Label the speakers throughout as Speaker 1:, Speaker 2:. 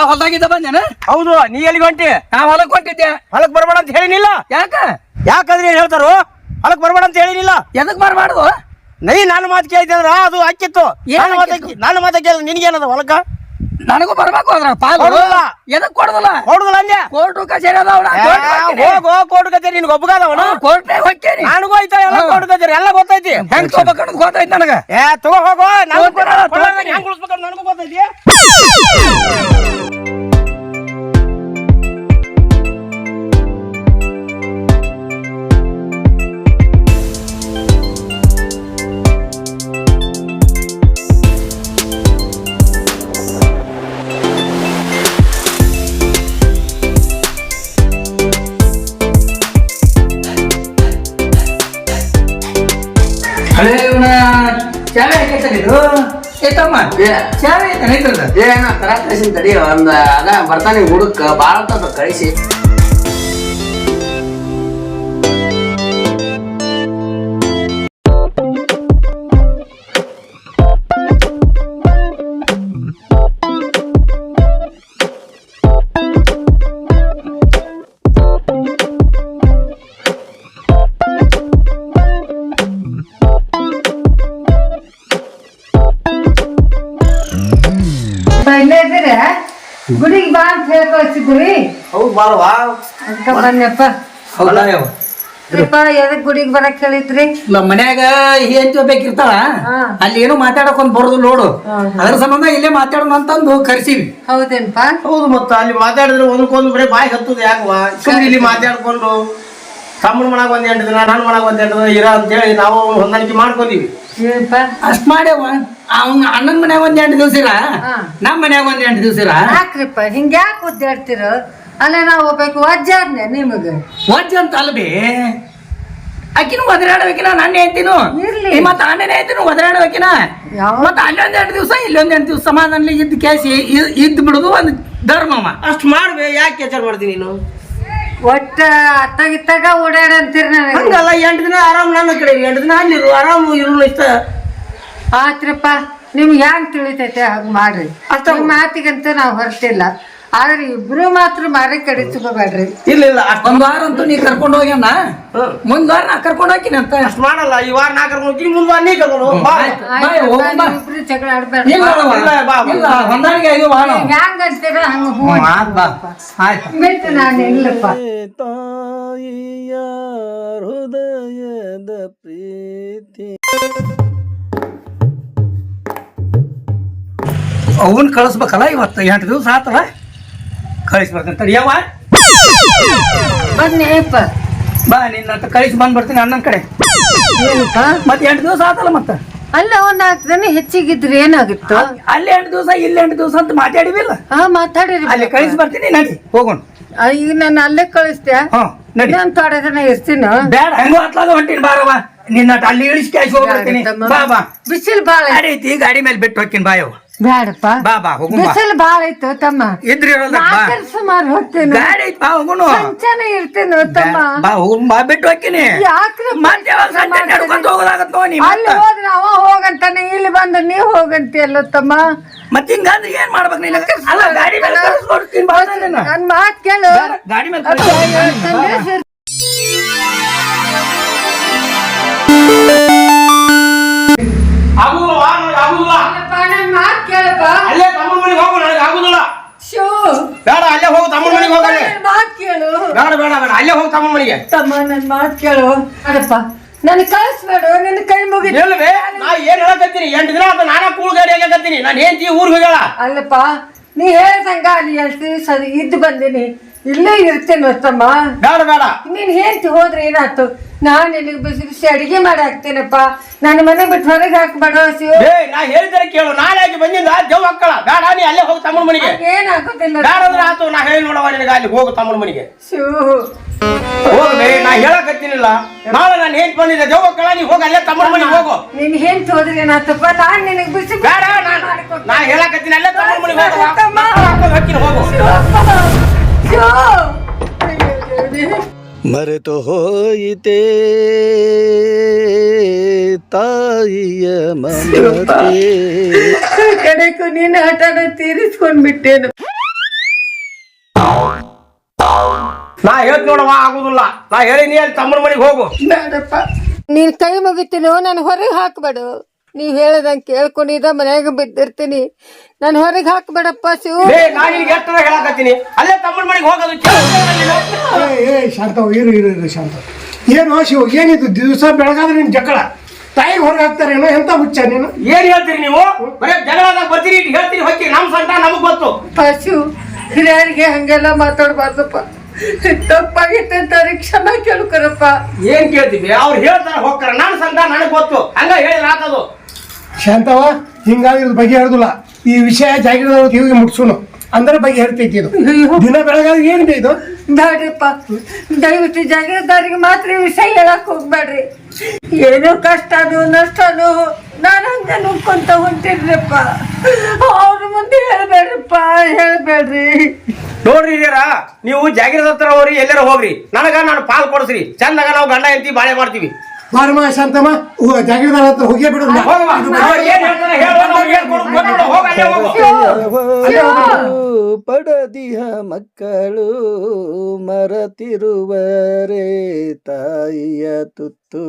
Speaker 1: ಹೊಲ್ದಾಗಿದ್ದ ಬಂದೇನ?
Speaker 2: ಹೌದು. ನೀ ಎಲ್ಲಿಗೆ ಹೊಂಟಿ?
Speaker 1: ನಾ ಹೊಲಕ್ ಹೊಂಟಿದ್ದೆ.
Speaker 2: ಹೊಲಕ್ ಬರ್ಬೇಡ ಅಂತ ಹೇಳಿನಿಲ್ಲ? ಯಾಕಂದ್ರೆ ಏನ್ ಹೇಳ್ತಾರೋ ಹೊಲಕ್ ಬರ್ಬೇಡ ಅಂತ ಹೇಳಿನಿಲ್ಲ.
Speaker 1: ಎದಕ್ ಬರಬಾರ್ದು?
Speaker 2: ನಾನು ಮಾತು ಕೇಳಿದ್ರ ಅದು ಹಾಕಿತ್ತು. ನಾನು ಮಾತು ಕೇಳಿದ್ರೆ ನಿನ್ಗೇನದ ಹೊಲಕ್ಕ?
Speaker 1: ನನಗೂ ಬರ್ಬೇಕು ಅದ್ರ ಪಾಲು. ಎದಕ್ ಕೊಡುದಿಲ್ಲ?
Speaker 2: ಕೊಡುದಿಲ್ಲ ಅಂದೆ.
Speaker 1: ಕೋರ್ಟ್ ಕಚೇರಿ ಅದಾವ.
Speaker 2: ಹೋಗೋ ಕೋರ್ಟ್ ಕಚೇರಿ ನಿನ್ಗೆ ಒಬ್ಬಗಾದವನು.
Speaker 1: ಕೋರ್ಟ್ನಾಗ ಹೋಗ್ತೇನೆ.
Speaker 2: ನನಗೂ ಐತ ಎಲ್ಲ ಕೋರ್ಟ್ ಕಚೇರಿ ಎಲ್ಲ ಗೊತ್ತೈತಿ.
Speaker 1: ಹೆಂಗ್ ತಗೋಬೇಕನ್ನೋದು ಗೊತ್ತೈತಿ ನನಗ.
Speaker 2: ತಗೋ ಹೋಗೋ. ಹೆಂಗ್ ಉಳಿಸ್ಬೇಕಂತ ನನಗೂ ಗೊತ್ತೈತಿ.
Speaker 1: ಚಾವೆ ಹಾಕೈತಲ್ಲಿದು ಏತಮ್ಮ ಚಾವೆ ಐತಲ್ಲ
Speaker 3: ಏನೋ ತರ ಕಳಿಸಿನ ತಡಿ ಒಂದ್ ಅದ ಬರ್ತಾನೆ ಹುಡುಕ್ ಬಾಳ ಕಳಿಸಿ.
Speaker 4: ಗುಡಿಗೆ ಬಾ ಅಂತ ಹೇಳಿ ಕಳಿಸಿದ್ವಿ.
Speaker 2: ಹೌದು ಬಾರವಾ
Speaker 4: ಅದಕ್ಕ ಬನ್ನಪ್ಪ. ಎದಕ್ ಗುಡಿಗೆ ಬರಕ್ ಹೇಳಿದ್ರಿ?
Speaker 1: ಮನ್ಯಾಗ ಏನ್ ಬೇಕಿರ್ತಾಳ ಅಲ್ಲಿ ಏನೋ ಮಾತಾಡಕ್ ಒಂದ್ ಬರೋದು ನೋಡು. ಅದ್ರ ಸಂಬಂಧ ಇಲ್ಲೇ ಮಾತಾಡೋಣ ಅಂತಂದು ಕರ್ಸಿವಿ.
Speaker 4: ಹೌದೇನ್ಪ?
Speaker 2: ಹೌದು. ಮತ್ತ ಅಲ್ಲಿ ಮಾತಾಡಿದ್ರೆ ಒಂದಕ್ಕೊಂದು ಬರೀ ಬಾಯಿ ಹತ್ತದ ಯಾಕವಾ? ಸುಮ್ಮನೆ ಇಲ್ಲಿ ಮಾತಾಡ್ಕೊಂಡು ತಮ್ಮನ ಮನಾಗ ಒಂದ್ 8 ದಿನ ನನ್ನ ಮನಾಗ ಒಂದ್ 8 ದಿನ ಇರ ಅಂತ ಹೇಳಿ ನಾವು ಹೊಂದಾಣಿಕೆ ಮಾಡ್ಕೊಂಡಿವಿ.
Speaker 1: ಅಷ್ಟ್ ಮಾಡ್ಯವ. ಅವ್ನ ಅಣ್ಣನ ಮನ್ಯಾಗ ಒಂದ್ 8 ದಿವಸ ಇರ, ನಮ್ ಮನ್ಯಾಗ ಒಂದ್ 8 ದಿವಸ ಇರ.
Speaker 4: ಯಾಕ್ರಿಪ್ಪ ಹಿಂಗ ಯಾಕೆ ಒದ್ದಾಡ್ತಿರ? ಅಲ್ಲ ನಾವು ಹೋಗ್ಬೇಕು ವಜ್ಜಾದ್ನೆ ನಿಮಗ.
Speaker 1: ವಜ್ಜ ಅಂತ ಅಲ್ಬಿ ಆಕಿನೂ ಒದರಾಡ್ಬೇಕಿನ ನನ್ನ ಹೇಳ್ತೀನು. ಮತ್ತ ಆನೇನೆ ಹೇಳ್ತೀನಿ ಒದರಾಡ್ಬೇಕಿನ. ಮತ್ತ ಅಲ್ಲೊಂದ್ 8 ದಿವಸ ಇಲ್ಲೊಂದ್ 8 ದಿವಸ ಸಮಾಧಾನ ಇದ್ದ ಕೇಸಿ ಇದ್ ಬಿಡುದು ಒಂದ್ ಧರ್ಮಮ್ಮ.
Speaker 2: ಅಷ್ಟ್ ಮಾಡ್ಬೇ. ಯಾಕೆ ಕೆಚಾರ ಮಾಡ್ತೀನಿ ನೀನು?
Speaker 4: ಒಟ್ಟ ಅತ್ತಾಗಿತ್ತಾಗ ಓಡಾಡ ಅಂತೀರಿ ನನಗೆ.
Speaker 2: ಹಂಗಲ್ಲ. 8 ದಿನ ಆರಾಮ್ ನನ್ನ ಕಡೆ 8 ದಿನ ಅಲ್ಲಿರು ಆರಾಮ್ ಇರು ಇಷ್ಟ
Speaker 4: ಆತ್ರಪ್ಪ. ನಿಮ್ಗೆ ಹೆಂಗ್ ತಿಳಿತೈತೆ ಹಂಗ ಮಾಡ್ರಿ. ನಿಮ್ ಮಾತಿಗಂತ ನಾವ್ ಹೊರಟಿಲ್ಲ. ಆದ್ರೆ ಇಬ್ರು ಮಾತ್ರ ಮಾರಿ ಕಡೆ ತಗೋಬೇಡ್ರಿ.
Speaker 2: ಇಲ್ಲ
Speaker 1: ಒಂದ್ ವಾರ ಅಂತೂ ನೀ ಕರ್ಕೊಂಡು ಹೋಗ್ಯಾನ. ಮುಂದ್ ವಾರ ನಾ ಕರ್ಕೊಂಡು ಹೋಗಿನಿ ಅಂತ
Speaker 2: ಅಷ್ಟ್ ಮಾಡಲ್ಲ. ಈ ವಾರ ನಾ ಕರ್ಕೊಂಡು ಹೋಗ್ತೀನಿ, ಮುಂದ್ ವಾರ ನೀ ಕರ್ಕೊಂಡು
Speaker 4: ಇಬ್ರು ಜಗಳ ಆಡ್ಬೇಡ್ರಿ.
Speaker 1: ಹೊಂದಾಣಿಕೆ
Speaker 4: ಹೆಂಗ ಅಂತೀರ ಹಂಗ ಬಿಟ್ಟು ನಾನು ಇಲ್ಲಪ್ಪ.
Speaker 2: ತಾಯಿಯ ಹೃದಯದ ಪ್ರೀತಿ
Speaker 1: ಅವನ್ ಕಳಿಸ್ಬೇಕಲ್ಲ. ಇವತ್ತು 8 ದಿವಸ ಆತಲ್ಲ ಕಳಿಸ್ಬೇಕಂತ. ಯಾವ
Speaker 4: ಬನ್ನಿಪ್ಪ
Speaker 1: ಬಾ ನಿನ್ನ ಕಳಿಸಿ ಬಂದ್ಬಿಡ್ತೀನಿ ಅಣ್ಣನ ಕಡೆ. ಮತ್ತೆ 8 ದಿವಸ ಆತಲ್ಲ. ಮತ್ತ
Speaker 4: ಅಲ್ಲ ಒಂದ್ 4 ದಿನ ಹೆಚ್ಚಿಗಿದ್ರಿ ಏನಾಗಿತ್ತು?
Speaker 1: ಅಲ್ಲಿ 8 ದಿವಸ ಇಲ್ಲಿ 8 ದಿವಸ ಅಂತ ಮಾತಾಡಿವಿಲ್ಲ.
Speaker 4: ಮಾತಾಡಿರಿ.
Speaker 1: ಅಲ್ಲಿ ಕಳಿಸಿ ಬರ್ತೀನಿ. ನಡಿ ಹೋಗೋಣ.
Speaker 4: ಈಗ ನಾನು ಅಲ್ಲೇ ಕಳಿಸ್ತೆ. ನಾನು ಥೋಡೆ ದಿನ ಇರ್ತೀನಿ.
Speaker 1: ಬೇಡ ಹೆಂಗೋ ಹತ್ಲಾಗ ಹೊಂಟೀನಿ. ಬಾರವ ನಿನ್ನ ಅಲ್ಲಿ ಇಳಿಸಿ ಕ್ಯಾಶ್ ಹೋಗ್ಬಿಡ್ತೀನಿ. ಬಾ ಬಾ.
Speaker 4: ಬಿಸಿಲು ಬಾಳ
Speaker 1: ಐತಿ. ಗಾಡಿ ಮೇಲೆ ಬಿಟ್ಟು ಹೋಗ್ತೀನಿ. ಬಾಯವ್
Speaker 4: ಬೇಡಪ್ಪ.
Speaker 1: ಬಾ ಬಾ ಹೋಗು.
Speaker 4: ಬಿಸಿಲು ಬಾಳ ಐತು ತಮ್ಮ.
Speaker 1: ಇದ್ರಿ
Speaker 4: ಸುಮಾರು ಹೋಗ್ತೇನೆ.
Speaker 1: ಗಾಡಿ ಐತಿ. ಬಾ ಹೋಗುನು.
Speaker 4: ಸಂಚಾನ ಇರ್ತೇನೆ ತಮ್ಮ.
Speaker 1: ಬಾ ಹೋಗು. ಬಾ ಬಿಟ್ಟು ಹೋಗ್ತೀನಿ.
Speaker 4: ಯಾಕ್ರಿ
Speaker 1: ಮತ್ತೆ ಯಾವಾಗ ಸಂಜೆ ನಡ್ಕೊಂಡು ಹೋಗೋದಾಗತ್ತ ನೋಡಿ.
Speaker 4: ಅಲ್ಲಿ ಹೋದ್ರೆ ಅವ ಹೋಗಂತಾನೆ, ಇಲ್ಲಿ ಬಂದ್ರೆ ನೀವು ಹೋಗಂತೀಯಲ್ಲ ತಮ್ಮ.
Speaker 1: ಮತ್ತೆ ಹಿಂಗಂದ್ರೆ ಏನ್ ಮಾಡ್ಬೇಕು ನೀನು? ಅಲ್ಲ ಗಾಡಿ ಮೇಲೆ ಕಳಿಸ್ಕೊಡ್ತೀನಿ. ಬಾ
Speaker 4: ನನ್ ಮಾತ್ ಕೇಳು.
Speaker 1: ಗಾಡಿ ಮೇಲೆ
Speaker 4: ನನ್ ಮಾತ್ ಕೇಳಪ್ಪ.
Speaker 2: ಅಲ್ಲೇ ತಮ್ಮನ ಮನೆಗೆ ಹೋಗು. ನನಗೆ ಆಗುದಿಲ್ಲ. ಬೇಡ ಅಲ್ಲೇ ಹೋಗು. ತಮ್ಮನ ಮನೆಗೆ ಹೋಗಲ್ಲ.
Speaker 4: ಮಾತ್ ಕೇಳು.
Speaker 2: ಬೇಡ ಬೇಡ ಬೇಡ ಅಲ್ಲೇ ಹೋಗು ತಮ್ಮನ ಮನೆಗೆ.
Speaker 4: ತಮ್ಮ ನನ್ ಮಾತ್ ಕೇಳು. ಅಡಪ್ಪ ನನ್ ಕಳಿಸ್ಬೇಡ. ನಿನ್ನ ಕೈ ಮುಗಿದ.
Speaker 2: ಇಲ್ವೇ ನಾ ಏನ್ ಹೇಳಕತ್ತೀನಿ? 8 ದಿನ ಆತ ನಾನಾ ಕೂಳು ಗಾಡಿ ಹೇಳಕತ್ತೀನಿ. ನಾನು ಹೆಂಡತಿ ಊರಿಗೆ ಹೋಗ್ಯಾಳ.
Speaker 4: ಅಲ್ಲಪ್ಪ ನೀ ಹೇಳ್ದಂಗ ಅಲ್ಲಿ 2 ದಿವಸ ಇದ್ದು ಬಂದಿನಿ. ಇಲ್ಲೇ ಇರ್ತೇನೆ ತಮ್ಮ.
Speaker 2: ಬೇಡ ಬೇಡ.
Speaker 4: ನೀನ್ ಹೆಂಡತಿ ಹೋದ್ರೆ ಏನಾಯ್ತು? ನಾನ್ ನಿನಗೆ ಬಿಸಿ ಬಿಸಿ ಅಡಿಗೆ ಮಾಡಿ ಹಾಕ್ತೇನಪ್ಪ. ನನ್ನ ಮನೆ ಬಿಟ್ಟು ಹೊರಗೆ ಹಾಕ್ಬೇಡ.
Speaker 2: ನಾ ಹೇಳಿದ್ರೆ ಕೇಳು. ನಾಳೆ ಆಗಿ ಬಂದಿಂದ ದೇವ್ ಹಾಕಳ. ಬೇಡ ನೀ ಅಲ್ಲೇ ಹೋಗು ತಮ್ಮನ ಮನೆಗೆ.
Speaker 4: ಏನಾಗುದಿಲ್ಲ.
Speaker 2: ಬೇಡ ಅಂದ್ರೆ ಆತು. ನಾ ಹೇಳಿ ನೋಡವ ನಿನಗೆ. ಅಲ್ಲಿ ಹೋಗು ತಮ್ಮನ ಮನೆಗೆ. ಹೋಗ್ಬೇ. ನಾ ಹೇಳಕತ್ತೀನಿಲ್ಲ. ನಾಳೆ ನಾನು ಹೆಂಟ್ ಬಂದಿದ್ದೆ ದೇವ್ ಹಾಕಳ. ನೀ ಹೋಗಿ ಅಲ್ಲೇ ತಮ್ಮನ ಮನೆಗೆ ಹೋಗು.
Speaker 4: ನಿನ್ ಹೆಂಡತಿ ಹೋದ್ರೆ ಏನಾಯ್ತಪ್ಪ? ನಾನ್ ನಿನಗೆ ಬಿಸಿ
Speaker 2: ಬೇಡ. ನಾ ಹೇಳಕತ್ತೀನಿ ಅಲ್ಲೇ ತಮ್ಮನ ಮನೆಗೆ ಹೋಗು. ಹಾಕಿನ ಹೋಗು.
Speaker 5: ಮರೆತು ಹೋಯಿತೆ ತಾಯಿಯ ಮಮತೆ.
Speaker 4: ಕಡೆಗೂ ನೀನು ಹಠನ ತೀರಿಸ್ಕೊಂಡ್ಬಿಟ್ಟೇನು.
Speaker 2: ನಾ ಹೇಳ್ತ ನೋಡವ ಆಗುದಿಲ್ಲ. ನಾ ಹೇಳಿ ನೀ ಅಲ್ಲಿ ತಮ್ಮನ ಮನೆಗೆ ಹೋಗು.
Speaker 1: ಬೇಡಪ್ಪ.
Speaker 4: ನೀನ್ ಕೈ ಮುಗಿತೀನಿ, ನಾನು ಹೊರಗೆ ಹಾಕ್ಬೇಡು. ನೀವ್ ಹೇಳದಂಗೆ ಕೇಳ್ಕೊಂಡಿದ್ದ ಮನ್ಯಾಗ ಬಿದ್ದಿರ್ತೀನಿ. ನಾನು ಹೊರಗೆ ಹಾಕ್ಬೇಡಪ್ಪ ಶಿವು.
Speaker 2: ನಾ ನಿನ್ಗೆ ಎಷ್ಟರ ಹೇಳಕತ್ತೀನಿ, ಅಲ್ಲೇ ತಮ್ಮನ ಮನೆಗೆ ಹೋಗೋದು.
Speaker 6: ಶಾಂತವ್ ಇರು ಶಾಂತ. ಏನು ಶಿವ, ಏನಿದು ದಿವಸ ಬೆಳಗಾದ್ರೆ ನಿಮ್ ಜಗಳ ತಾಯಿಗೆ ಹೊರಗೆ ಹಾಕ್ತಾರೇನೋ? ಎಂತ ಹುಚ್ಚ ನೀನು?
Speaker 2: ಏನ್ ಹೇಳ್ತೀರಿ ನೀವು? ಬರೇ ಜಗಳದಾಗ ಬರ್ತೀರಿ, ಹೇಳ್ತೀರಿ ಹೋಗಿ. ನಮ್ ಸಂಟ ನಮಗ್ ಗೊತ್ತು.
Speaker 4: ಶಿವು, ಹಿರಿಯರಿಗೆ ಹಂಗೆಲ್ಲ ಮಾತಾಡ್ಬಾರ್ದಪ್ಪ. ತಪ್ಪಾಗಿತ್ತಂತ ಕ್ಷಮಾ ಕೇಳ್ಕೊರಪ್ಪ.
Speaker 2: ಏನ್ ಕೇಳ್ತೀವಿ? ಅವ್ರು ಹೇಳ್ತಾರ ಹೋಗ್ತಾರ. ನನ್ ಸಂಟ ನನಗ್ ಗೊತ್ತು. ಹಂಗ ಹೇಳಿದ್ರ ಆತದು.
Speaker 6: ಶಾಂತವ, ಹಿಂಗಾಗಿರೋದು ಬಗೆಹರಿದಿಲ್ಲ. ಈ ವಿಷಯ ಜಾಗಿರದವ್ರ ಕಿವಿಗೆ ಮುಟ್ಸೋನು ಅಂದ್ರೆ ಬಗೆಹರಿತೈತಿ. ಇದು ದಿನ ಬೆಳಗಾದ್ರೆ ಏನಿದೆ ಇದು?
Speaker 4: ಬೇಡ್ರಿಪ್ಪ, ದಯವಿಟ್ಟು ಜಾಗೀರದಾರಿಗೆ ಮಾತ್ರ ಈ ವಿಷಯ ಹೇಳಕ್ ಹೋಗ್ಬೇಡ್ರಿ. ಏನೋ ಕಷ್ಟನೋ ನಷ್ಟನೋ ನಾನು ಹಂಗೆ ನುಗ್ಕೊಂತ ಹೊಂಟಿರ್ರಿಪ್ಪ. ಅವ್ರ ಮುಂದೆ ಹೇಳ್ಬೇಡ್ರಿ.
Speaker 2: ನೋಡ್ರಿ ಹಿರಿಯರ, ನೀವು ಜಾಗಿರದ ಹತ್ರ ಹೋಗ್ರಿ, ಎಲ್ಲಾರ ಹೋಗ್ರಿ. ನಾನು ಪಾಲ್ ಕೊಡ್ಸ್ರಿ. ಚಂದಾಗ ನಾವು ಗಂಡ ಹೆಂಡತಿ ಬಾಳೆ ಮಾಡ್ತೀವಿ.
Speaker 6: ಬಾರಮ್ಮ ಶಾಂತಮ್ಮ, ಜಾಗಿರದಾರ ಹತ್ರ ಹೋಗೇ ಬಿಡು.
Speaker 5: ಪಡದಿಹ ಮಕ್ಕಳು ಮರತಿರುವರೆ ತಾಯಿಯ ತುತ್ತು.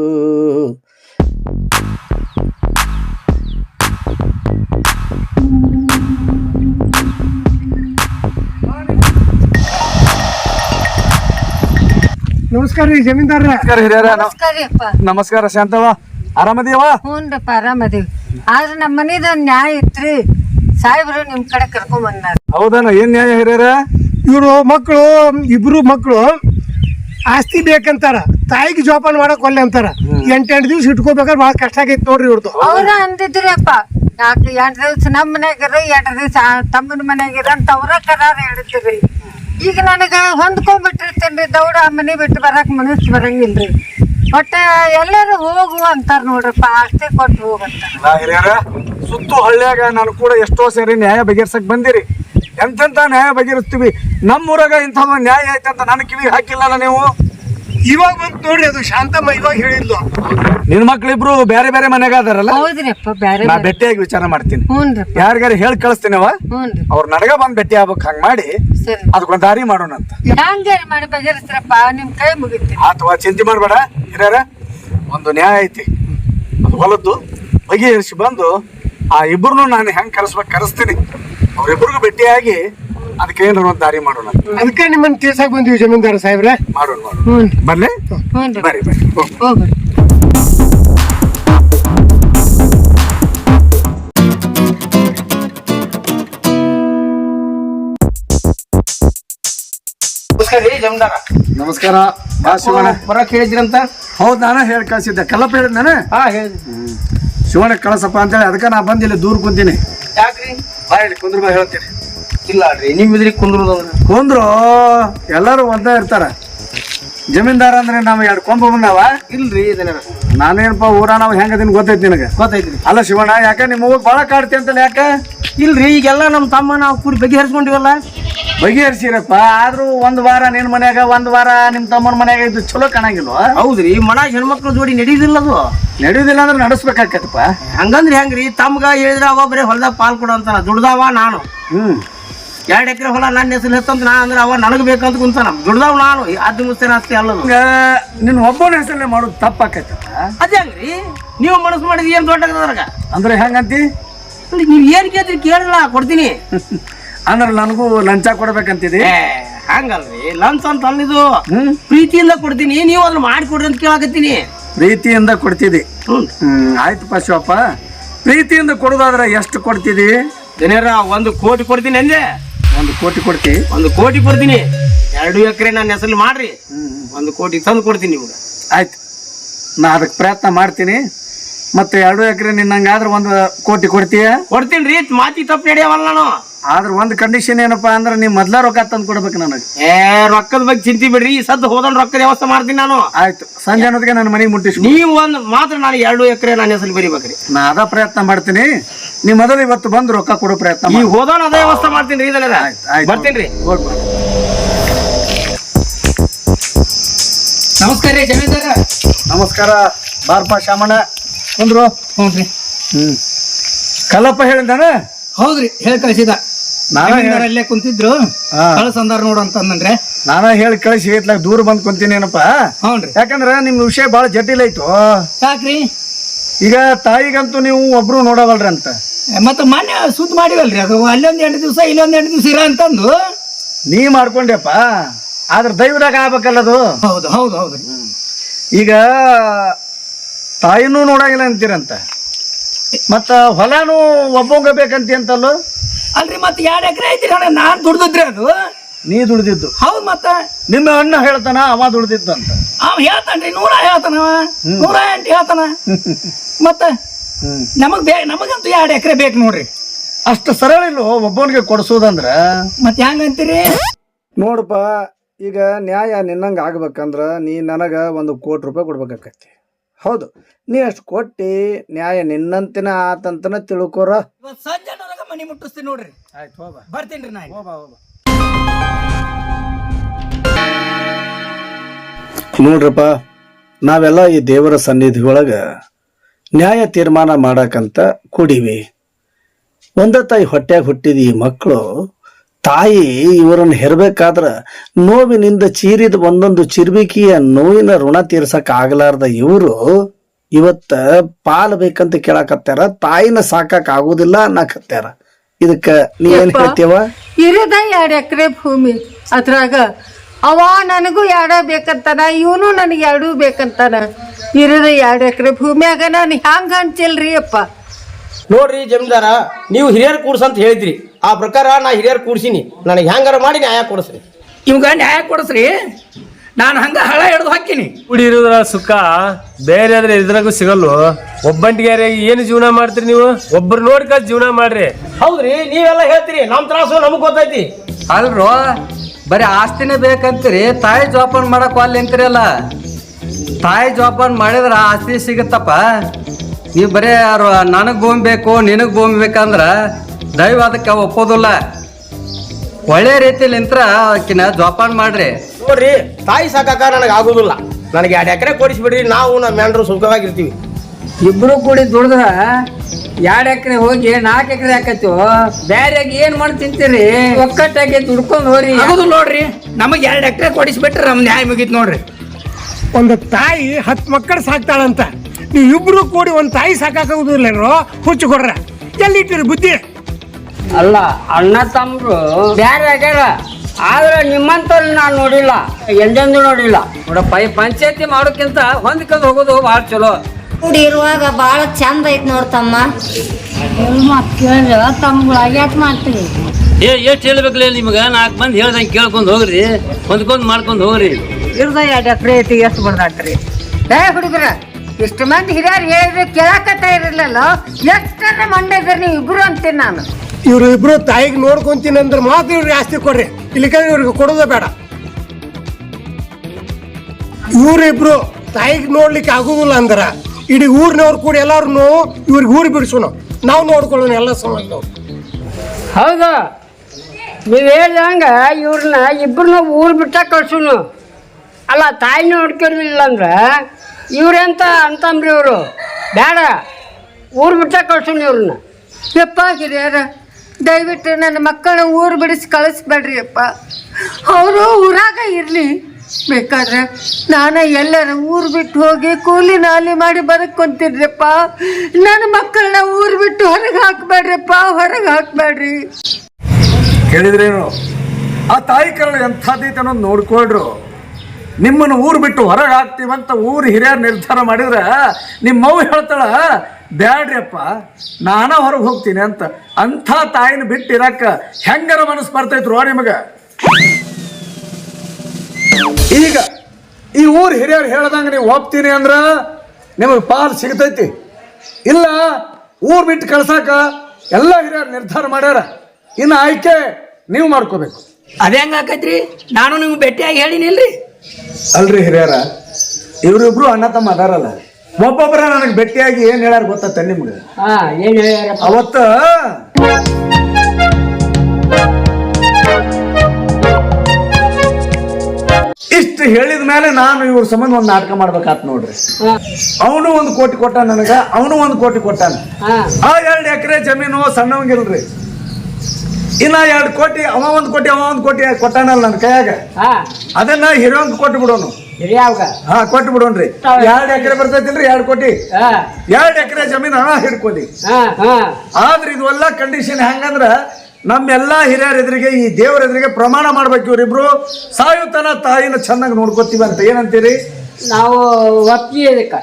Speaker 6: ನಮಸ್ಕಾರ ರೀ ಜಮೀನ್ದಾರ.
Speaker 5: ನಮಸ್ಕಾರ ಶಾಂತವ, ಆರಾಮದಿಯವ?
Speaker 4: ಹ್ಞೂನ್ರಪ್ಪ, ಆರಾಮದೀವಿ. ಆದ್ರೆ ನಮ್ಮ ಮನೇದ ನ್ಯಾಯ ಇತ್ರಿ, ಸಾಹೇಬ್ರು ನಿಮ್ ಕಡೆ ಕರ್ಕೊಂಡ್ ಬಂದಾರ.
Speaker 5: ಹೌದನ? ಏನ್ ನ್ಯಾಯ ಹಿರಿಯರ?
Speaker 6: ಇವರು ಮಕ್ಕಳು, ಇಬ್ರು ಮಕ್ಕಳು ಆಸ್ತಿ ಬೇಕಂತಾರ, ತಾಯಿಗೆ ಜೋಪಾನ ಮಾಡಕ್ ಒಲ್ಲೆ ಅಂತಾರ. 8 ದಿವ್ಸ ಇಟ್ಕೋಬೇಕಾದ್ರೆ ಬಹಳ ಕಷ್ಟ ಆಗೈತಿ ನೋಡ್ರಿ ಇವ್ರದ್ದು.
Speaker 4: ಅವ್ರ ಅಂದಿದ್ರಪ್ಪ, 8 ದಿವ್ಸ ನಮ್ಮ ಮನ್ಯಾಗಿರ, 2 ದಿವ್ಸ ತಮ್ಮನ ಮನ್ಯಾಗಿರ ಅಂತ ಅವ್ರ ಕರಾರ ಹೇಳ್ತೀರಿ. ಈಗ ನನಗ ಹೊಂದ್ಕೊಂಡ್ಬಿಟ್ಟಿರ್ತೇನ್ರಿ. ದೌಡ ಮನೆ ಬಿಟ್ಟು ಬರಕ್ ಮನಸ್ಸು ಬರಂಗಿಲ್ರಿ. ಒಟ್ಟ ಎಲ್ಲರೂ ಹೋಗು ಅಂತಾರ ನೋಡ್ರಪ್ಪ, ಆಸ್ತಿ ಕೊಟ್ಟು ಹೋಗಂತಾರ.
Speaker 5: ಹಿರಿಯರ, ಸುತ್ತು ಹಳ್ಳಿಯಾಗ ನಾನು ಕೂಡ ಎಷ್ಟೋ ಸೇರಿ ನ್ಯಾಯ ಬಗೆಹರ್ಸಕ್ ಬಂದಿರಿ. ಎಂತೆಂತ ನ್ಯಾಯ ಬಗೆಹರಿಸ್ತೀವಿ. ನಮ್ಮೂರಾಗ ಇಂಥದ್ದು ನ್ಯಾಯ ಐತಂತ ನನ್ನ ಕಿವಿಗೆ ಹಾಕಿಲ್ಲಲ್ಲ ನೀವು.
Speaker 6: ಇವಾಗ ಬಂತು ನೋಡ್ರಿ, ಅದು ಶಾಂತಮ್ಮ ಇವಾಗ ಹೇಳಿದ್ಲು.
Speaker 5: ನಿನ್ ಮಕ್ಳಿಬ್ರು ಬೇರೆ ಬೇರೆ ಮನೆಗ ಅದಾರಲ್ಲ,
Speaker 4: ಹೌದ್ರಿಪ್ಪ, ಬ್ಯಾರೆ
Speaker 5: ನಾ ಭೇಟಿಯಾಗಿ ವಿಚಾರ ಮಾಡ್ತೀನಿ.
Speaker 4: ಹ್ಞೂನ್ರಪ್ಪ,
Speaker 5: ಯಾರಿಗಾರ ಹೇಳಿ ಕಳಿಸ್ತೀನವ,
Speaker 4: ಹ್ಞೂನ್ರಿ.
Speaker 5: ಅವ್ರ ನನಗ ಬಂದ್ ಭೇಟಿ ಆಗ್ಬೇಕು. ಹಂಗ ಮಾಡಿ
Speaker 4: ಸರಿ,
Speaker 5: ಅದಕ್ಕೊಂದ್ ದಾರಿ ಮಾಡೋಣ ಅಂತ.
Speaker 4: ಹಂಗಾರಿ ಮಾಡಿ ಬಗೆಹರಿಸ್ರಪ್ಪ, ನಿಮ್ ಕೈ ಮುಗಿತೀನಿ.
Speaker 5: ಅಥವಾ ಚಿಂತೆ ಮಾಡ್ಬೇಡ ಹಿರಿಯರ, ಒಂದು ನ್ಯಾಯ ಐತಿ, ಅದು ಹೊಲದ್ದು ಬಗೆಹರಿಸಿ ಬಂದು ಆ ಇಬ್ರು ನಾನು ಹೆಂಗ್ ಕರೆಸ್ತೀನಿ. ಅವ್ರಿಬ್ರಿಗೂ ಭೇಟಿಯಾಗಿ ಅದಕ್ಕೆ ಏನಾರ ಒಂದು ದಾರಿ ಮಾಡೋಣ.
Speaker 6: ಅದಕ್ಕೆ ನಿಮ್ಮನ್ನ ತೀರ್ಸಾಕ್ ಬಂದಿವಿ ಜಮೀನ್ದಾರ ಸಾಹೇಬ್ರೆ.
Speaker 5: ಮಾಡೋಣ. ಬರ್ಲಿ? ಬರ್ರಿ ಬರ್ರಿ,
Speaker 4: ಹೋಗ್ರಿ.
Speaker 2: ಜಮೀನ್ದಾರ
Speaker 5: ನಮಸ್ಕಾರ. ಬಾ ಶಿವಣ್ಣ.
Speaker 2: ಬರಕ್ ಹೇಳಿದ್ರಂತ?
Speaker 5: ಹೌದು, ನಾನು ಹೇಳಿ ಕಳ್ಸಿದ್ದೆ. ಕಲ್ಲಪ್ಪ ಹೇಳಿದ್ ನಾನು.
Speaker 2: ಹಾ ಹೇಳಿ.
Speaker 5: ಶಿವಣ್ಣ ಕಳಸಪ್ಪ ಅಂತೇಳಿ ಅದಕ್ಕೆ ನಾ ಬಂದಿಲ್ಲ, ದೂರ ಕುಂತೀನಿ.
Speaker 2: ಯಾಕ್ರಿ?
Speaker 5: ಬಾ ಹೇಳಿ, ಕುಂದ್ರ ಬಾ ಹೇಳ್ತೀನಿ.
Speaker 2: ಇಲ್ಲ ರೀ, ನಿಮ್ ಇದ್ರಿಗೆ ಕುಂದ್ರುದಂದ್ರ
Speaker 5: ಕುಂದ್ರು ಎಲ್ಲರೂ ಒಂದೇ ಇರ್ತಾರ. ಜಮೀನ್ದಾರ ಅಂದ್ರೆ ನಾವು 2 ಕೊಂಬ ಬಂದಾವ.
Speaker 2: ಇಲ್ರಿ,
Speaker 5: ನಾನೇನಪ್ಪ ಊರ ನಾವು ಹೆಂಗದಿನ ಗೊತ್ತೈತಿ ನಿನಗೆ?
Speaker 2: ಗೊತ್ತೈತ್ರಿ.
Speaker 5: ಅಲ್ಲ ಶಿವಣ್ಣ, ಯಾಕೆ ನಿಮ್ಮ ಹೋಗಿ ಭಾಳ ಕಾಡ್ತಿ ಅಂತಲ್ಲ? ಯಾಕ?
Speaker 2: ಇಲ್ರಿ, ಈಗೆಲ್ಲ ನಮ್ ತಮ್ಮ ನಾವು ಕೂಡಿ ಬಗೆಹರಿಸ್ಕೊಂಡಿವಲ್ಲ.
Speaker 5: ಬಗೆಹರಿಸಿರಪ್ಪ, ಆದ್ರೂ 1 ವಾರ ನಿನ್ ಮನ್ಯಾಗ, 1 ವಾರ ನಿಮ್ ತಮ್ಮನ ಮನ್ಯಾಗ ಇದು ಚಲೋ ಕಾಣಂಗಿಲ್ವ?
Speaker 2: ಹೌದ್ರಿ, ಮನ ಹೆಣ್ಮಕ್ಳು ಜೋಡಿ ನಡೀದಿಲ್ಲ ಅದು.
Speaker 5: ನಡೆಯುದಿಲ್ಲ ಅಂದ್ರೆ ನಡೆಸ್ಬೇಕಾಕತ್ತಪ್ಪ.
Speaker 2: ಹಂಗಂದ್ರಿ ಹೆಂಗ್ರಿ? ತಮ್ಗ ಹೇಳಿದ್ರ ಅವ ಬರೀ ಹೊಲದಾಗ ಪಾಲ್ ಕೊಡು ಅಂತಾನ. ದುಡ್ದಾವ ನಾನು 2 ಎಕರೆ ಹೊಲ ನನ್ನ ಹೆಸರು ಹೆತ್ತಂತ ನಾ ಅಂದ್ರೆ ಅವ ನನಗ್ ಬೇಕಂತ ಕುಂತಾನ. ದುಡ್ದಾವ್ ನಾನು, ಅದು ಮುಸ್ತೇನ ಅಷ್ಟೇ ಅಲ್ಲದು.
Speaker 5: ನಿನ್ ಒಬ್ಬನ ಹೆಸರಲ್ಲೇ ಮಾಡೋದು ತಪ್ಪಾಕತ್ತಪ್ಪ.
Speaker 2: ಅದೇ ಹಂಗ್ರಿ, ನೀವು ಮನಸ್ಸು ಮಾಡಿದ್ರಿ ಏನ್ ದೊಡ್ಡದ್ರಾಗ?
Speaker 5: ಅಂದ್ರೆ ಹೆಂಗಂತಿ?
Speaker 2: ನೀವ್ ಏನ್ ಕೇಳ್ತೀರಿ ಕೇಳಲ್ಲ, ಕೊಡ್ತೀನಿ.
Speaker 5: ಅಂದ್ರೆ ನನಗೂ ಲಂಚ ಕೊಡ್ಬೇಕಂತಿದೆ?
Speaker 2: ಹಂಗಲ್ರಿ, ಲಂಚ್ ಅಂತ ಅಲ್ಲಿದು. ಪ್ರೀತಿಯಿಂದ ಕೊಡ್ತೀನಿ, ನೀವು ಅದನ್ನ ಮಾಡಿಕೊಡ್ರಿ ಅಂತ ಕೇಳಾಕತ್ತೀನಿ.
Speaker 5: ಪ್ರೀತಿಯಿಂದ ಕೊಡ್ತಿದ್ದಿ? ಆಯ್ತಪ್ಪ ಶಿವಪ್ಪ, ಪ್ರೀತಿಯಿಂದ ಕೊಡೋದಾದ್ರೆ ಎಷ್ಟು ಕೊಡ್ತಿದಿ?
Speaker 2: ದಿನೇರ 1 ಕೋಟಿ ಕೊಡ್ತೀನಿ ಅಂದೆ.
Speaker 5: 1 ಕೋಟಿ ಕೊಡ್ತಿ?
Speaker 2: 1 ಕೋಟಿ ಕೊಡ್ತೀನಿ. 2 ಎಕರೆ ನನ್ನ ಹೆಸರು ಮಾಡ್ರಿ, 1 ಕೋಟಿ ತಂದು ಕೊಡ್ತೀನಿ ನಿಮ್ಗೆ.
Speaker 5: ಆಯ್ತು, ನಾ ಅದಕ್ಕೆ ಪ್ರಯತ್ನ ಮಾಡ್ತೀನಿ. ಮತ್ತೆ 2 ಎಕರೆ ನಿನ್ನಂಗಾದ್ರೆ 1 ಕೋಟಿ ಕೊಡ್ತೀಯ?
Speaker 2: ಕೊಡ್ತೀನಿ ರೀ, ಮಾತಿ ತಪ್ಪು ನಡೆಯವಲ್ಲ ನಾನು.
Speaker 5: ಆದ್ರೆ ಒಂದು ಕಂಡೀಷನ್ ಏನಪ್ಪಾ ಅಂದ್ರೆ ನೀವು ಮೊದ್ಲ ರೊಕ್ಕ ತಂದು ಕೊಡ್ಬೇಕು ನನಗೆ.
Speaker 2: ರೊಕ್ಕದ ಬಗ್ಗೆ ಚಿಂತೆ ಬಿಡ್ರಿ, ಈ ಸದ್ದು ಹೋದ ರೊಕ್ಕದ ವ್ಯವಸ್ಥೆ ಮಾಡ್ತೀನಿ ನಾನು.
Speaker 5: ಆಯ್ತು, ಸಂಜೆ ಅನ್ನೋದಕ್ಕೆ ನನ್ನ ಮನೆಗೆ ಮುಟ್ಟಿಸಿ.
Speaker 2: ನೀವು ಒಂದು ಮಾತ್ರ ನಾನು 2 ಎಕರೆ ನನ್ನ ಹೆಸರು ಬರೀಬೇಕ್ರಿ.
Speaker 5: ನಾ ಅದ ಪ್ರಯತ್ನ ಮಾಡ್ತೀನಿ. ನೀವು ಮೊದಲು ಇವತ್ತು ಬಂದು ರೊಕ್ಕ ಕೊಡೋ ಪ್ರಯತ್ನ
Speaker 2: ಈ ಹೋದವನು ಅದೇ ವ್ಯವಸ್ಥೆ ಮಾಡ್ತೀನಿ ರೀ. ಬರ್ತೀನಿ ರೀ.
Speaker 1: ನಮಸ್ಕಾರ ರೀ ಜಮೀನ್ದಾರ.
Speaker 5: ನಮಸ್ಕಾರ. ಬಾರಪ್ಪ ಶಾಮಣ್ಣ, ಕುಂದ್ರು.
Speaker 1: ಹ್ಞೂ ರೀ.
Speaker 5: ಕಲ್ಲಪ್ಪ ಹೇಳಿದಾನ?
Speaker 1: ಹೌದ್ರಿ, ಹೇಳಿ ಕಳಿಸಿದ. ಅಲ್ಲೇ ಕುಂತಿದ್ರು ಕಳ್ಸಂದಾರ ನೋಡು ಅಂತ ಅಂದ್ರೆ
Speaker 5: ನಾನ ಹೇಳಿ ಕಳಿಸಿ ಇತ್ಲಾಗ ದೂರ ಬಂದ್ ಕುಂತೀನೇನಪ್ಪ.
Speaker 1: ಹ್ಞೂನ್ರಿ.
Speaker 5: ಯಾಕಂದ್ರ ನಿಮ್ ವಿಷಯ ಬಹಳ ಜಟಿಲ್ ಐತು.
Speaker 1: ಯಾಕ್ರಿ?
Speaker 5: ಈಗ ತಾಯಿಗಂತೂ ನೀವು ಒಬ್ರು ನೋಡವಲ್ರಿ ಅಂತ.
Speaker 1: ಮತ್ತ ಮೊನ್ನೆ ಸುದ್ದಿ ಮಾಡಿವಲ್ರಿ, ಅದು ಅಲ್ಲೊಂದ್ 8 ದಿವಸ ಇಲ್ಲೊಂದ್ 8 ದಿವಸ ಇರ ಅಂತಂದು
Speaker 5: ನೀ ಮಾಡ್ಕೊಂಡ್ಯಪ್ಪ, ಆದ್ರ ದೈವದಾಗ ಆಗ್ಬೇಕಲ್ಲದು.
Speaker 1: ಹೌದು ಹೌದು ಹೌದ್ರಿ.
Speaker 5: ಈಗ ತಾಯಿನೂ ನೋಡಂಗಿಲ್ಲ ಅಂತೀರಂತ, ಮತ್ತ ಹೊಲನೂ ಒಬ್ಬಂಗ ಬೇಕಂತಿ ಅಂತಲ್ಲೋ.
Speaker 1: ಅಲ್ರಿ ಮತ್ತೆ 2 ಎಕರೆ ಐತ್ರಿ ಅಣ್ಣ, ನಾನ್ ದುಡ್ದಿದ್ರಿ ಅದು.
Speaker 5: ನೀ ದುಡ್ದಿದ್ದು?
Speaker 1: ಹೌದ್. ಮತ್ತ
Speaker 5: ನಿಮ್ಮ ಅಣ್ಣ ಹೇಳ್ತಾನ ಅವ ದುಡ್ದಿದ್ದಂತ.
Speaker 1: ಅವ ಹೇಳ್ತಾನ್ರಿ, 100 ಹೇಳ್ತಾನವ, 108 ಹೇಳ್ತಾನ. ಮತ್ತ ನಮಗಂತೂ 2 ಎಕರೆ ಬೇಕು ನೋಡ್ರಿ.
Speaker 5: ಅಷ್ಟು ಸರಳ ಇಲ್ಲೋ ಒಬ್ಬನಿಗೆ ಕೊಡ್ಸೋದಂದ್ರ.
Speaker 1: ಮತ್ತೆ ಹೆಂಗಂತೀರಿ?
Speaker 5: ನೋಡಪ್ಪ, ಈಗ ನ್ಯಾಯ ನಿನ್ನಂಗೆ ಆಗ್ಬೇಕಂದ್ರ ನೀ ನನಗೆ 1 ಕೋಟಿ ರೂಪಾಯಿ ಕೊಡ್ಬೇಕಾಕತಿ. ಹೌದು, ನೀ ಅಷ್ಟು ಕೊಟ್ಟು ನ್ಯಾಯ ನಿನ್ನಂತಿನ ಆತಂತನ ತಿಳ್ಕೊರ.
Speaker 1: ಇವತ್ತು ಸಂಜೆನವರೆಗೆ ಮನಿ ಮುಟ್ಟಿಸ್ತೀನಿ ನೋಡ್ರಿ.
Speaker 5: ಆಯ್ತು, ಹೋಗ
Speaker 1: ಬರ್ತೀನಿ ನಾ.
Speaker 5: ನೋಡ್ರಪ್ಪ, ನಾವೆಲ್ಲ ಈ ದೇವರ ಸನ್ನಿಧಿ ಒಳಗ ನ್ಯಾಯ ತೀರ್ಮಾನ ಮಾಡಕಂತ ಕೂಡಿವಿ. ಒಂದ ತಾಯಿ ಹೊಟ್ಯಾಗ ಹುಟ್ಟಿದ ಈ ಮಕ್ಕಳು ತಾಯಿ ಇವರನ್ನು ಹೆರ್ಬೇಕಾದ್ರ ನೋವಿನಿಂದ ಚೀರಿದ ಒಂದೊಂದು ಚಿರ್ಬಿಕಿಯ ನೋವಿನ ಋಣ ತೀರ್ಸಕ್ ಆಗ್ಲಾರ್ದ ಇವರು ಇವತ್ತ ಪಾಲ್ ಬೇಕಂತ ಕೇಳಕತ್ತಾರ. ತಾಯಿನ ಸಾಕಕ್ ಆಗುದಿಲ್ಲ ಅನ್ನಕತ್ತಾರ. ಇದಕ್ಕ ನೀ ಏನ್ ಹೇಳ್ತೀವ?
Speaker 4: ಇರೋದ 2 ಎಕರೆ ಭೂಮಿ, ಅದ್ರಾಗ ಅವ ನನಗೂ 2 ಬೇಕಂತಾನ, ಇವನು ನನಗೆ 2 ಬೇಕಂತಾನ. ಇರೋದ 2 ಎಕರೆ ಭೂಮಿಯಾಗ ನಾನು ಹ್ಯಾಂಗ ಹಂಚಿಲ್ರಿ ಅಪ್ಪ.
Speaker 2: ನೋಡ್ರಿ ಜಮೀನ್ದಾರ, ನೀವು ಹಿರಿಯರ್ ಕೂಡ್ಸಂತ ಹೇಳಿದ್ರಿ, ಆ ಪ್ರಕಾರ ನಾ ಹಿರಿಯರ್ ಕೂಡ್ಸಿನಿ. ನನಗೆ ಹೆಂಗಾರ ಮಾಡಿ ನ್ಯಾಯ ಕೊಡಿಸ್ರಿ.
Speaker 1: ಇವಾಗ ನ್ಯಾಯ ಕೊಡಿಸ್ರಿ, ನಾನು ಹಂಗ ಹಳ ಹಿಡ್ದು ಹಾಕಿನಿ.
Speaker 7: ಕುಡಿರೋದ್ರ ಸುಖ ಬೇರೆ ಆದ್ರೆ ಇದ್ರಾಗೂ ಸಿಗಲ್ವ. ಒಬ್ಬಂಟಿಗೆ ಏನು ಜೀವನ ಮಾಡ್ತೀರಿ ನೀವು? ಒಬ್ರು ನೋಡ್ಕ ಜೀವನ ಮಾಡ್ರಿ.
Speaker 2: ಹೌದ್ರಿ, ನೀವೆಲ್ಲ ಹೇಳ್ತೀರಿ, ನಮ್ ತ್ರಾಸು ನಮಗ್ ಗೊತ್ತೈತಿ.
Speaker 8: ಅಲ್ರೋ, ಬರೀ ಆಸ್ತಿನೇ ಬೇಕಂತೀರಿ, ತಾಯಿ ಜೋಪಾನ ಮಾಡಕ್ ಅಲ್ಲಿ ಅಂತೀರಲ್ಲ. ತಾಯಿ ಜೋಪಾನ ಮಾಡಿದ್ರ ಆಸ್ತಿ ಸಿಗತ್ತಪ್ಪ. ನೀವು ಬರೀ ನನಗ್ ಭೂಮಿ ಬೇಕು ನಿನಗ್ ಭೂಮಿ ಬೇಕಂದ್ರ ದೈವ ಅದಕ್ಕೆ ಒಪ್ಪೋದಿಲ್ಲ. ಒಳ್ಳೆ ರೀತಿಲಿ ನಿಂತ್ರ ಆಕಿನ ಜೋಪಾನ ಮಾಡ್ರಿ.
Speaker 2: ನೋಡ್ರಿ, ತಾಯಿ ಸಾಕಾಕ ನನಗೆ ಆಗುದಿಲ್ಲ. ನನಗೆ 2 ಎಕರೆ ಕೊಡಿಸ್ಬಿಡ್ರಿ, ನಾವು ನಮ್ಮ ಮೆಂಡ್ರು ಸುಖವಾಗಿರ್ತೀವಿ.
Speaker 8: ಇಬ್ರು ಕೂಡಿ ದುಡ್ದ್ರ 2 ಎಕರೆ ಹೋಗಿ 4 ಎಕರೆ ಹಾಕತ್ತು. ಬ್ಯಾರ್ಯಾಗ ಏನ್ ಮಾಡಿ ತಿಂತೀರಿ? ಒಕ್ಕಟ್ಟಾಗಿ ದುಡ್ಕೊಂಡ್ ಹೋರಿ.
Speaker 1: ಆಗುದು ನೋಡ್ರಿ, ನಮಗ್ 2 ಎಕರೆ ಕೊಡಿಸ್ಬಿಟ್ರೆ ನಮ್ ನ್ಯಾಯ ಮುಗೀತ್ ನೋಡ್ರಿ.
Speaker 6: ಒಂದು ತಾಯಿ 10 ಮಕ್ಕಳು ಸಾಕ್ತಾಳಂತ, ನೀವು ಇಬ್ರು ಕೂಡಿ ಒಂದು ತಾಯಿ ಸಾಕಾಗುದಿಲ್ಲೇನೋ? ಹುಚ್ಚು ಕೊಡ್ರ, ಎಲ್ಲಿಟ್ಟಿರಿ ಬುದ್ಧಿ?
Speaker 8: ಅಲ್ಲ, ಅಣ್ಣ ತಮ್ಮರು ಬ್ಯಾರೆ ಆಗ್ಯಾರ, ಆದ್ರೆ ನಿಮ್ಮಂತವ್ರು ನಾನು ನೋಡಿಲ್ಲ, ಎಂದೆಂದು ನೋಡಿಲ್ಲ. ನೋಡಪ್ಪ, ಈ ಪಂಚಾಯತಿ ಮಾಡೋಕ್ಕಿಂತ ಹೊಂದ್ಕೊಂಡು ಹೋಗೋದು ಭಾಳ ಚಲೋ.
Speaker 9: ಕೂಡಿ ಇರುವಾಗ ಭಾಳ ಚಂದ ಐತಿ ನೋಡ್ತಮ್ಮ.
Speaker 4: ಕೇಳಿದ್ರೆ ತಮ್ಗಳಾಗ ಯಾಕೆ ಮಾಡ್ತೀವಿ?
Speaker 10: ಎಷ್ಟು ಹೇಳ್ಬೇಕಲ್ಲ ನಿಮ್ಗೆ? 4 ಮಂದಿ ಹೇಳ್ದಂಗೆ ಕೇಳ್ಕೊಂಡು ಹೋಗ್ರಿ, ಹೊಂದ್ಕೊಂಡು ಮಾಡ್ಕೊಂಡು ಹೋಗ್ರಿ.
Speaker 4: ಇರ್ದ 2 ಎಕರೆ ಐತಿ, ಎಷ್ಟು ಬರ್ದಾಟ್ರಿ? ಹುಡುಗ್ರ, ಇಷ್ಟು ಮಂದಿ ಹಿರಿಯರು ಹೇಳಿದ್ರೆ ಕೇಳಕತ್ತ ಇರಲಿಲ್ಲ. ಎಷ್ಟರ ಮಂಡ್ಯದ್ರಿ ನೀವು ಇಬ್ರು ಅಂತೀನಿ ನಾನು.
Speaker 6: ಇವ್ರು ಇಬ್ರು ತಾಯಿಗೆ ನೋಡ್ಕೊಂತೀನಿ ಅಂದ್ರೆ ಮಾತ್ರ ಇವ್ರಿಗೆ ಆಸ್ತಿ ಕೊಡ್ರಿ, ಇಲ್ಲಿಕಂದ್ರೆ ಇವ್ರಿಗೆ ಕೊಡೋದೇ ಬೇಡ. ಇವ್ರಿಬ್ರು ತಾಯಿಗೆ ನೋಡ್ಲಿಕ್ಕೆ ಆಗುದಿಲ್ಲ ಅಂದ್ರ ಇಡೀ ಊರಿನವ್ರು ಕೂಡ ಎಲ್ಲಾರು ಇವ್ರಿಗೆ ಊರು ಬಿಡಿಸೋಣ, ನಾವು ನೋಡ್ಕೊಳ್ಳೋಣ ಎಲ್ಲ ಸಮಾಜದವ್ರು.
Speaker 8: ಹೌದಾ? ನೀವು ಹೇಳ್ದಂಗ ಇವ್ರನ್ನ ಇಬ್ಬರನ್ನ ಊರು ಬಿಟ್ಟ ಕಳ್ಸೋನು. ಅಲ್ಲ, ತಾಯಿ ನೋಡ್ಕೊಳ್ಲಿಲ್ಲ ಅಂದ್ರೆ ಇವ್ರೆಂತ ಅಂತಂಬ್ರಿ ಇವರು. ಬೇಡ, ಊರು ಬಿಟ್ಟ ಕಳ್ಸೋನು ಇವ್ರನ್ನ.
Speaker 4: ಯಪ್ಪ ಹಿರಿಯರ, ದಯವಿಟ್ಟು ನನ್ನ ಮಕ್ಕಳನ್ನ ಊರು ಬಿಡಿಸಿ ಕಳಿಸ್ಬೇಡ್ರಿ ಅಪ್ಪ. ಅವರು ಊರಾಗ ಇರಲಿ, ಬೇಕಾದ್ರೆ ನಾನು ಎಲ್ಲರ ಊರು ಬಿಟ್ಟು ಹೋಗಿ ಕೂಲಿ ನಾಲಿ ಮಾಡಿ ಬದುಕೊಂತೀನಿರಪ್ಪ. ನನ್ನ ಮಕ್ಕಳನ್ನ ಊರು ಬಿಟ್ಟು ಹೊರಗೆ ಹಾಕ್ಬೇಡ್ರಿಪ್ಪ, ಹೊರಗೆ ಹಾಕ್ಬೇಡ್ರಿ.
Speaker 5: ಕೇಳಿದ್ರೇನು? ಆ ತಾಯಿ ಕರಳು ಎಂಥದೈತೆ ಅನ್ನೋದು ನೋಡ್ಕೊಳ್ರು. ನಿಮ್ಮನ್ನು ಊರು ಬಿಟ್ಟು ಹೊರಗೆ ಹಾಕ್ತೀವಂತ ಊರು ಹಿರಿಯರು ನಿರ್ಧಾರ ಮಾಡಿದ್ರೆ ನಿಮ್ಮವ್ವ ಹೇಳ್ತಾಳ, ಬ್ಯಾಡ್ರಿಯಪ್ಪ ನಾನ ಹೊರಗೆ ಹೋಗ್ತೀನಿ ಅಂತ. ಅಂಥ ತಾಯಿನ ಬಿಟ್ಟು ಇರಕ್ಕ ಹೆಂಗಾರ ಮನಸ್ಸು ಬರ್ತೈತ್ರೋ ನಿಮಗೆ? ಈಗ ಈ ಊರು ಹಿರಿಯರು ಹೇಳ್ದಂಗೆ ನೀವು ಒಪ್ತೀನಿ ಅಂದ್ರ ನಿಮಗೆ ಪಾಲ್ ಸಿಗ್ತೈತಿ. ಇಲ್ಲ, ಊರು ಬಿಟ್ಟು ಕಳ್ಸಾಕ ಎಲ್ಲ ಹಿರಿಯರು ನಿರ್ಧಾರ ಮಾಡ್ಯಾರ. ಇನ್ನು ಆಯ್ಕೆ ನೀವು ಮಾಡ್ಕೋಬೇಕು.
Speaker 1: ಅದೇ ಹೆಂಗ ಆಕೈತ್ರಿ? ನಾನು ನಿಮ್ಗೆ ಭೇಟಿಯಾಗಿ ಹೇಳಿನಿಲ್ರಿ?
Speaker 5: ಅಲ್ರಿ ಹಿರಿಯರ, ಇವ್ರಿಬ್ರು ಅಣ್ಣ ತಮ್ಮ ಅದಾರಲ್ಲ, ಒಬ್ಬೊಬ್ಬರ ನನಗೆ ಭೇಟಿಯಾಗಿ ಏನ್ ಹೇಳ್ಯಾರ ಗೊತ್ತ ನಿಮ್ಗೆ? ಅವತ್ತ ಇಷ್ಟು ಹೇಳಿದ ಮೇಲೆ ನಾನು ಇವ್ರ ಸಂಬಂಧ ಒಂದು ನಾಟಕ ಮಾಡ್ಬೇಕಾತ್ ನೋಡ್ರಿ. ಅವನು 1 ಕೋಟಿ ಕೊಟ್ಟ ನನಗ, ಅವನು 1 ಕೋಟಿ ಕೊಟ್ಟಾನ. ಆ 2 ಎಕರೆ ಜಮೀನು ಸಣ್ಣವಂಗಿಲ್ರಿ. ಇನ್ನ 2 ಕೋಟಿ ಅವ 1 ಕೋಟಿ ಅವ 1 ಕೋಟಿ ಕೊಟ್ಟಾನಲ್ಲ ನನ್ನ ಕೈಯಾಗ ಅದನ್ನ ಹಿರಿಯಂಗ್ ಕೊಟ್ಟು ಬಿಡೋನು. ಹಾ ಕೊಟ್ಟು ಬಿಡೋನ್ರಿ. 2 ಎಕರೆ ಬರ್ತೈತಿಲ್ರಿ 2 ಕೋಟಿ 2 ಎಕರೆ ಜಮೀನು ಹಣ ಹಿಡ್ಕೊಲಿ. ಆದ್ರೆ ಇದೆಲ್ಲ ಕಂಡೀಷನ್ ಹೆಂಗಂದ್ರ ನಮ್ಮೆಲ್ಲಾ ಹಿರಿಯರ ಎದುರಿಗೆ ಈ ದೇವರ ಎದುರಿಗೆ ಪ್ರಮಾಣ ಮಾಡ್ಬೇಕು ಇವ್ರಿಬ್ರು ಸಾಯುತನ ತಾಯಿನ ಚೆನ್ನಾಗಿ ನೋಡ್ಕೋತೀವಿ ಅಂತ. ಏನಂತೀರಿ?
Speaker 1: ನಾವು ಒಪ್ಪಿಗೆ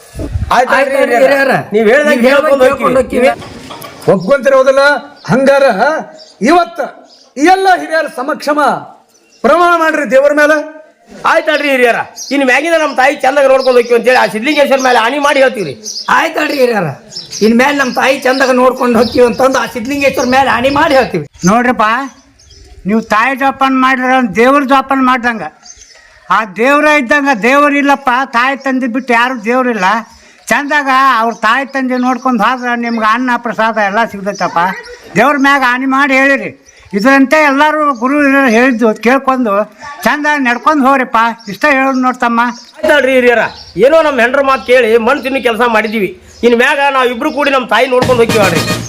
Speaker 7: ನೀವ್ ಹೇಳ್ದಂಗೆ
Speaker 5: ಒಪ್ಕೊಂತಿರೋದಿಲ್ಲ. ಹಂಗಾರ ಇವತ್ತ ಈ ಎಲ್ಲ ಹಿರಿಯರ ಸಮಕ್ಷಮ ಪ್ರಮಾಣ ಮಾಡ್ರಿ ದೇವರ ಮೇಲೆ.
Speaker 7: ಆಯ್ತಲ್ರಿ ಹಿರಿಯರ, ಇನ್ ಮ್ಯಾಗಿನ ನಮ್ಮ ತಾಯಿ ಚಂದಾಗ ನೋಡ್ಕೊಂಡು ಹೋಗ್ತೀವಿ ಅಂತೇಳಿ ಆ ಸಿದ್ಲಿಂಗೇಶ್ವರ ಮೇಲೆ ಹಾನಿ ಮಾಡಿ ಹೇಳ್ತೀವ್ರಿ.
Speaker 1: ಆಯ್ತಲ್ರಿ ಹಿರಿಯರ, ಇನ್ಮೇಲೆ ನಮ್ಮ ತಾಯಿ ಚಂದಾಗ ನೋಡ್ಕೊಂಡು ಹೋಗ್ತೀವಿ ಅಂತಂದು ಆ ಸಿದ್ಲಿಂಗೇಶ್ವರ ಮೇಲೆ ಹಾನಿ ಮಾಡಿ ಹೇಳ್ತೀವಿ.
Speaker 6: ನೋಡ್ರಪ್ಪ, ನೀವು ತಾಯಿ ಜೋಪಾನ ಮಾಡಿದ್ರ ದೇವ್ರ ಜೋಪಾನ ಮಾಡ್ದಂಗ. ಆ ದೇವ್ರ ಇದ್ದಂಗ ದೇವ್ರಿಲ್ಲಪ್ಪ. ತಾಯಿ ತಂದೆ ಬಿಟ್ಟು ಯಾರು ದೇವ್ರಿಲ್ಲ. ಚಂದಾಗ ಅವ್ರ ತಾಯಿ ತಂದೆ ನೋಡ್ಕೊಂಡು ಹೋದ್ರೆ ನಿಮ್ಗೆ ಅನ್ನ ಪ್ರಸಾದ ಎಲ್ಲ ಸಿಗ್ತೈತಪ್ಪ. ದೇವ್ರ ಮ್ಯಾಗ ಹಾನಿ ಮಾಡಿ ಹೇಳಿರಿ. ಇದರಂತೆ ಎಲ್ಲರೂ ಗುರು ಹೇಳಿದ್ದು ಕೇಳ್ಕೊಂಡು ಚಂದ ನಡ್ಕೊಂಡು ಹೋಗ್ರಿಪ್ಪ. ಇಷ್ಟ ಹೇಳೋದು ನೋಡ್ತಮ್ಮ.
Speaker 7: ಆಯ್ತಲ್ರಿ ಹಿರಿಯರ, ಏನೋ ನಮ್ಮ ಹೆಂಡ್ರ ಮಾತು ಕೇಳಿ ಮಣ್ಣು ತಿನ್ನು ಕೆಲಸ ಮಾಡಿದೀವಿ. ಇನ್ ಮ್ಯಾಗ ನಾವ್ ಇಬ್ರು ಕೂಡಿ ನಮ್ಮ ತಾಯಿ ನೋಡ್ಕೊಂಡು ಹೋಗ್ತೀವಿ.